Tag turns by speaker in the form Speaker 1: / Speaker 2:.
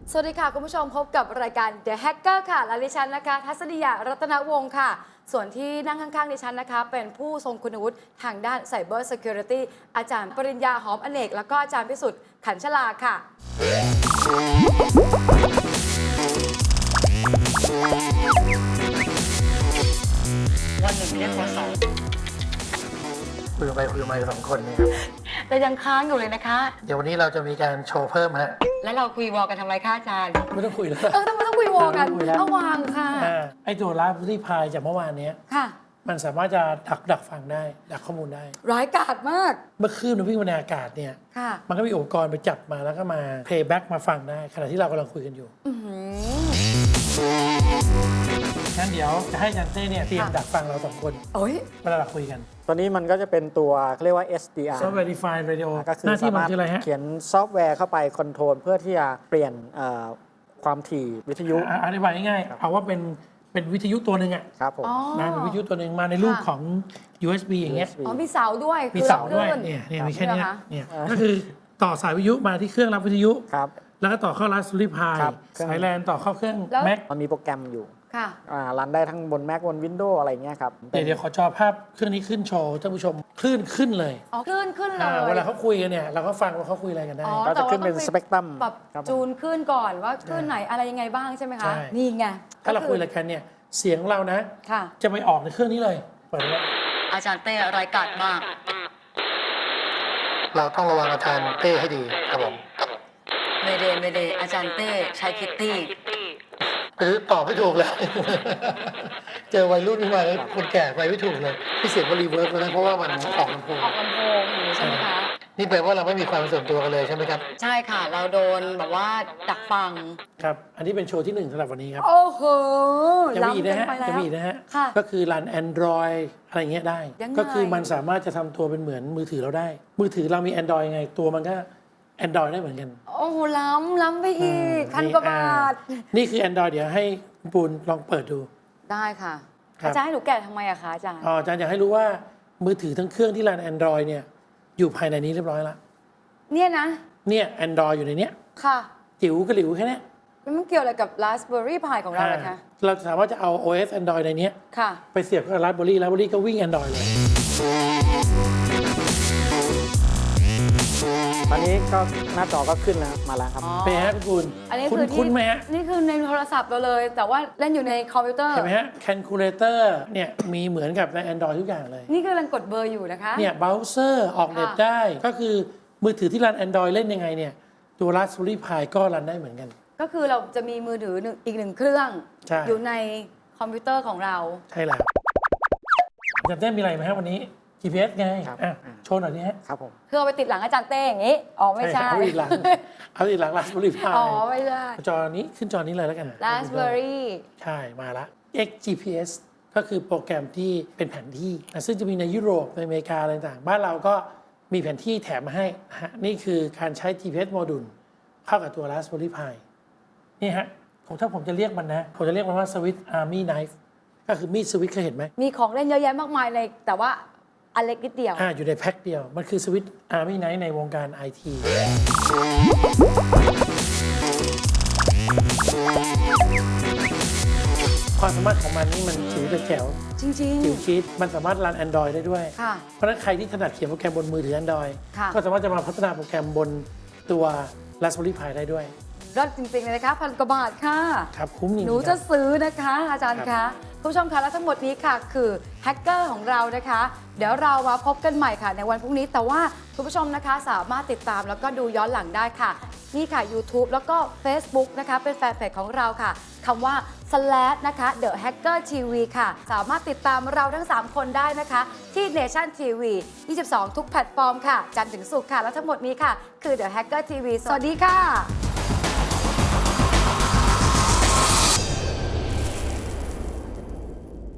Speaker 1: สวัสดีค่ะคุณผู้ชมพบกับรายการ The Hacker ค่ะและดิฉันนะคะทัศนียารัตนวงศ์ค่ะส่วนที่นั่งข้างๆดิฉันนะคะเป็นผู้ทรงคุณวุฒิทางด้าน Cyber Security อาจารย์ปริญญาหอมอเนกแล้วก็อาจารย์พิสุทธิ์ขันชลาค่ะ
Speaker 2: วันหนึ่งเรียกโทรศัพท์คุยไปคุยมาสองคนเนี่ย
Speaker 1: แต่ยังค้างอยู่เลยนะคะ
Speaker 2: เดี๋ยววันนี้เราจะมีการโชว์เพิ่มฮะ
Speaker 1: แล้วเราคุยวอลกันทำไมคะอาจารย์
Speaker 2: ไม่ต้องคุยแล้ว
Speaker 1: ทำไมต้องคุยวอลกันเอาวางค่ะ
Speaker 2: ไอ้ตัวรับที่พายจากเมื่อวานนี้
Speaker 1: ค่ะ
Speaker 2: มันสามารถจะดักฟังได้ดักข้อมูลได้
Speaker 1: ร้ายกาจมาก
Speaker 2: เมื่อคลื่นมันวิ่งบนอากาศเนี่ย
Speaker 1: ค่ะ
Speaker 2: มันก็มีอุปกรณ์ไปจับมาแล้วก็มา playback มาฟังได้ขณะที่เรากำลังคุยกันอยู่งั้นเดี๋ยวจะให้อาจันเต้เนี่ยเตรียมดักฟังเราสองคน
Speaker 1: โอ้ย
Speaker 2: เวลาเราคุยกัน
Speaker 3: ตัวนี้มันก็จะเป็นตัวเขาเรียกว่า SDR
Speaker 2: Software Defined Radio
Speaker 3: ก็คือ
Speaker 2: หน้าที่
Speaker 3: สา
Speaker 2: มัน
Speaker 3: มารถ
Speaker 2: คืออะไรฮะ
Speaker 3: เขียนซอฟต์แวร์เข้าไปคอนโทรลเพื่อที่จะเปลี่ยนความถี่วิทยุ
Speaker 2: อธิบายง่ายๆเอาว่าเป็นวิทยุตัวหนึ่งอะ
Speaker 3: ครับผม
Speaker 2: นะเป็นวิทยุตัวหนึ่งมาในรูปของ USB อย่างเงี้ย
Speaker 3: USB
Speaker 1: อ๋อมีเสาด้วย
Speaker 2: มี
Speaker 1: คือ
Speaker 2: เสา
Speaker 1: รับ
Speaker 2: ด้วย
Speaker 1: คลื่น
Speaker 2: เนี่ยมีแค่เนี้ย
Speaker 1: เหรอคะ
Speaker 2: เนี่ยก็คือต่อสายวิทยุมาที่เครื่องรับวิทยุ
Speaker 3: ครับ
Speaker 2: แล้วก็ต่อเข้า Raspberry Pi
Speaker 3: ครับ
Speaker 2: สายแลนต่อเข้าเครื่อง
Speaker 1: แล้ว
Speaker 2: Mac
Speaker 3: มันมีโปรแกรมอยู่
Speaker 1: ค่ะ
Speaker 3: รันได้ทั้งบน Mac บน Windows อะไรเงี้ยครับ
Speaker 2: เดี๋ยวขอจอภาพเครื่องนี้ขึ้นโชว์ท่านผู้ชมคลื่นขึ้นเลย
Speaker 1: อ๋อขึ้นเล
Speaker 2: เวย ลาเขาคุยกันเนี่ยเราก็ฟังว่าเขาคุยอะไรกันได้
Speaker 1: อ๋อ
Speaker 3: ก็จะขึ้นเป็น
Speaker 1: แต่ว่าต้องไป
Speaker 3: สเปกตรัม
Speaker 1: ปรับ
Speaker 3: ครับผม
Speaker 1: จูนขึ้นก่อนว่าขึ้นไหนอะไรยังไงบ้างใช่ไหม
Speaker 2: ใช่
Speaker 1: คะ นี่ไง
Speaker 2: ถ้าเราคุยอะไรกันเนี่ยเสียงของเรานะ
Speaker 1: ค่ะ
Speaker 2: จะไปออกในเครื่องนี้เลยเปิดไว้
Speaker 1: อาจารย์เต้รายการมาก
Speaker 2: เราต้องระวังอาจารย์เต้ให้ดีครับผม
Speaker 1: เมเดอาจารย์เต้ใช้คิตตี้
Speaker 2: หรือตอบไม่ถูกแล้ว เจอวัยรุ่นขึ้นมาแล้วคนแก่ไปไม่ถูกเลยพี่เสียงว่ารีเวิร์สแล้วนะเพราะว่ามันออกลำโพง
Speaker 1: ออกลำโพงอยู่ใช่ไหมคะ
Speaker 2: นี่แปลว่าเราไม่มีความส่วนตัวกันเลยใช่ไหมครับ
Speaker 1: ใช่ค่ะ เราโดนแบบว่าดักฟัง
Speaker 2: ครับ อันนี้เป็นโชว์ที่1สำหรับวันนี้ครับ
Speaker 1: โอ้โห
Speaker 2: จะมีอีกนะฮะ
Speaker 1: ล้ำเกินไปแล้ว
Speaker 2: จะมีอีกนะฮะ
Speaker 1: ค่ะ
Speaker 2: ก็คือรัน Android อะไรเงี้ยได้
Speaker 1: ยังไง
Speaker 2: ก็คือมันสามารถจะทำตัวเป็นเหมือนมือถือเราได้ มือถือเรามี Android ไง ตัวมันก็ Android ได้เหมือนกัน
Speaker 1: โอ้โหล้ำไปอีกพันกว่าบาท
Speaker 2: นี่คือ Android เดี๋ยวให้คุณปูนลองเปิดดู
Speaker 1: ได้ค่ะ
Speaker 2: ครับ
Speaker 1: อาจารย์ให้หนูแกะทำไมอะคะอาจารย์
Speaker 2: อาจารย์อยากให้รู้ว่ามือถือทั้งเครื่องที่รัน Android เนี่ยอยู่ภายในนี้เรียบร้อยแล้ว
Speaker 1: เนี่ยนะ
Speaker 2: เนี่ย Android อยู่ในเนี้ย
Speaker 1: ค่ะ
Speaker 2: จิ๋วกระหลิวแค่เนี้ย
Speaker 1: แล้วมันเกี่ยวอะไรกับ Raspberry Pi ของเราเลยคะ
Speaker 2: เราสามารถจะเอา OS Android ในเนี้ย
Speaker 1: ค่ะ
Speaker 2: ไปเสียบกับ Raspberry ก็วิ่ง Android เลย
Speaker 3: ตอนนี้ก็หน้าจอก็ขึ้นแล้วมาแล้วครับ
Speaker 1: อ๋อ
Speaker 2: เป็นไงฮะคุณปูน
Speaker 1: อันนี้คือ
Speaker 2: คุ้นๆไหมฮะ
Speaker 1: นี่คือในโทรศัพท์เราเลย แต่ว่าเล่นอยู่ในคอมพิวเตอร์
Speaker 2: เห็นไหมฮะ Calculator เนี่ยมีเหมือนกับใน Android ทุกอย่างเลย
Speaker 1: นี่คือกำลังกดเบอร์อยู่นะคะ
Speaker 2: เนี่ยเบราว์เซอร์ออกเน็ต
Speaker 1: ค่ะ
Speaker 2: ได้ ก็คือมือถือที่รัน Android เล่นยังไงเนี่ย ตัว Raspberry Pi ก็รันได้เหมือนกัน
Speaker 1: ก็คือเราจะมีมือถืออีกหนึ่งเครื่อง
Speaker 2: ใช่
Speaker 1: อยู่ในคอมพิวเตอร์ของเรา
Speaker 2: ใช่แล้วอาจารย์เต้มีอะไรไหมฮะวันนี้ GPS ไง
Speaker 3: ครับ
Speaker 2: อ่ะโชว์หน่อยนี่ฮะ
Speaker 3: ครับผม
Speaker 1: คือเอาไปติดหลังอาจารย์เต้อย่างนี้ อ๋อไม่ใช่
Speaker 2: เอาอีกหลัง เอาอีกหลัง Raspberry Pi
Speaker 1: อ๋อไม่ใช่
Speaker 2: จอนี้ขึ้นจอนี้เลยแล้วกัน
Speaker 1: Raspberry
Speaker 2: ใช่มาละ XGPS ก็คือโปรแกรมที่เป็นแผนที่นะซึ่งจะมีในยุโรปในอเมริกาอะไรต่างๆบ้านเราก็มีแผนที่แถมมาให้นะฮะนี่คือการใช้ GPS โมดูลเข้ากับตัว Raspberry Pi นี่ฮะถ้าผมจะเรียกมันนะ ผมจะเรียกมันว่า Swiss Army Knife ก็คือมีดสวิตเคยเห็นไหม
Speaker 1: มีของเล่นเยอะแยะมากมายเลย แต่ว่าอันเล็กนิดเดียว
Speaker 2: อยู่ในแพ็คเดียว มันคือ Swiss Army Knife ในวงการ IT ความสามารถของมันนี่มันจิ๋วแต่แจ๋ว
Speaker 1: จริง
Speaker 2: จิ๋วคิดมันสามารถรัน Android ได้ด้วย
Speaker 1: ค่ะ
Speaker 2: เพราะฉะนั้นใครที่ถนัดเขียนโปรแกรมบนมือถือ Android
Speaker 1: ค่ะ
Speaker 2: ก็สามารถจะมาพัฒนาโปรแกรมบนตัว Raspberry Pi ได้ด้วย
Speaker 1: ๆรอดจริง ๆ เลยนะคะพันกว่าบาทค่ะ
Speaker 2: ครับคุ้มจริงๆ
Speaker 1: หนู
Speaker 2: ค
Speaker 1: จะ
Speaker 2: รับ
Speaker 1: ซื้อนะคะอาจารย์
Speaker 2: ครั
Speaker 1: คะ
Speaker 2: บ
Speaker 1: คุณผู้ชมคะและทั้งหมดนี้ค่ะคือแฮกเกอร์ของเรานะคะ เดี๋ยวเรามาพบกันใหม่ค่ะในวันพรุ่งนี้ แต่ว่าคุณผู้ชมนะคะสามารถติดตามแล้วก็ดูย้อนหลังได้ค่ะ นี่ค่ะ YouTube แล้วก็ Facebook นะคะเป็นแฟนเพจของเราค่ะคำว่า slash นะคะ The Hacker TV ค่ะ สามารถติดตามเราทั้ง 3 คนได้นะคะ ที่ Nation TV 22 ทุกแพลตฟอร์มค่ะ จันทร์ถึงศุกร์ค่ะ และทั้งหมดนี้ค่ะ คือ The Hacker TV สวัสดีค่ะ